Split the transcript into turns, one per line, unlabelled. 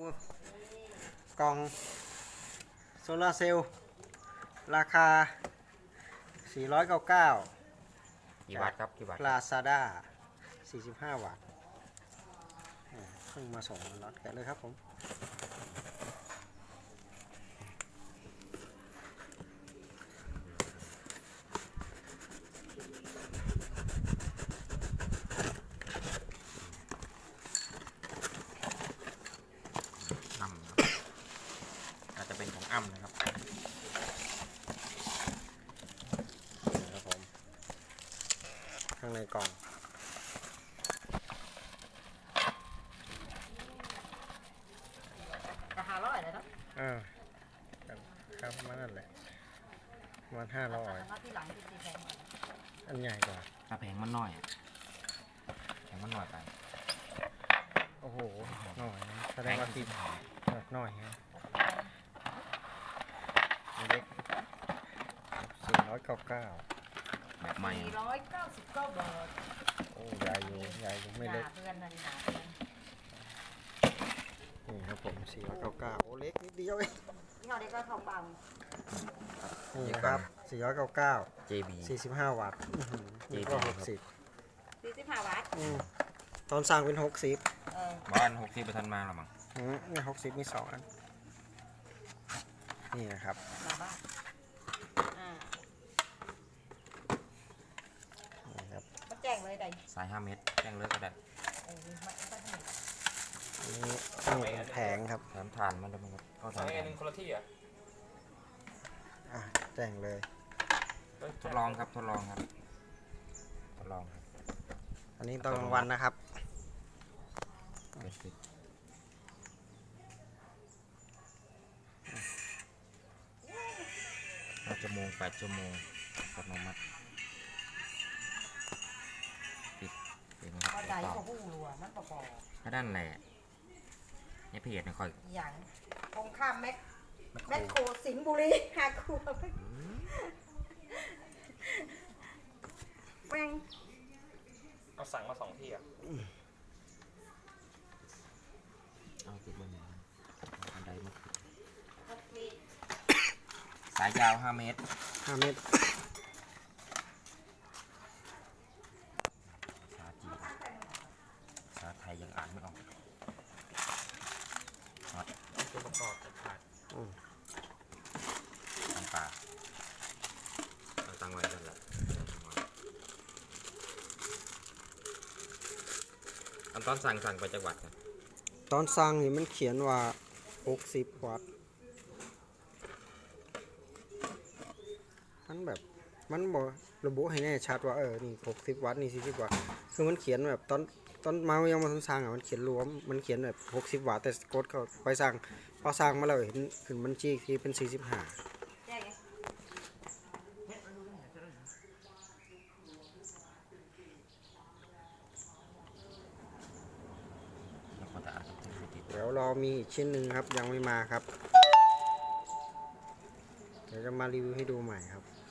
กล่องโซลาร์เซลล์ราคา499
กี่วัตต์ครับกี่วัตต์
Lazada 45 วัตต์เพิ่งมาส่งล็อตกันเลยครับผม
อ้ำอาจจะเป็นของอ้ำนะครับ
ครับผมข้างในกล่อง
ราคา100เลยเนาะ
ครับมันนั่นแหละมัน500
ที่หลังที่แพง
อันใหญ่กว่า
ถ้าแพงมันน้อยแพงมันน้อยไป
โอ้โหหน่อยนะแสดงว่าติดแบบหน่อยฮะเล็ก499
แบบใหม่
499 บาท
โอ้ใหญ่อยู่ไม่เล็ก
เดือนนึงเดือน
นี่ครับผม499โอ้เล็กนิดเดียวเอง
นี่เขาเรียกว่าทองบาง
นี่นะครับ499
JB
45 วัตต์นี่ก็60
45 บาท
ตอนสั่งเป็น60
บ้าน60ไปทันมาหรอมั้ง
นี่60มี2 อันนี่นะครับ
มาบ้าง
นี่ครับ
ก็แจ้งเลยได้
สาย5 เมตรแจ้งเลิกก็ได้
นี่แผงครับ
แถมทานมันด้วยมั้งครับก็ทาน
อันนึงคนละที่อ่ะ
แจ้งเลย
ทดลองครับทดลองครับทดลองครับ
อันนี้ตอนกลางวันนะครับ
5 ชั่วโมง8 ชั่วโมงอัตโนมัติปิดเป็นไงครับ
ก็ใจก็หู้รัวมันประกอบ
ก็ด้านแหละเนี่ยเพจเนี่ยคอย
อย่างตรงข้ามแมคโครสิงห์บุรีหาครัวแม่ง
เอาสั่งมา2 ที่อ่ะ
เอาติดบนนี้อันใดมาสายยาว5 เมตร
5 เมตร
ภาษาจีนภาษาไทยยังอ่านไม่ออกน็อต
ตัวประกอบขาด
น้ำปลาเอาตั้งไว้กันแหละอันตอนสั่งไปจังหวัดกัน
ตอนสั่งนี่มันเขียนว่า60 วัตต์มันแบบมันบอกระบุให้แน่ชัดว่านี่60 วัตต์นี่40 วัตต์คือมันเขียนแบบตอนมายังมาทำสั่งมันเขียนรวมมันเขียนแบบ60 วัตต์แต่กดเข้าไปสั่งพอสั่งมาแล้วเห็นขึ้นบัญชีที่เป็น45
แจ้งไง
แล้วก็จะอ่านติด
เดี๋ยวรอมีอีกชิ้นหนึ่งครับยังไม่มาครับ เดี๋ยวจะมารีวิวให้ดูใหม่ครับ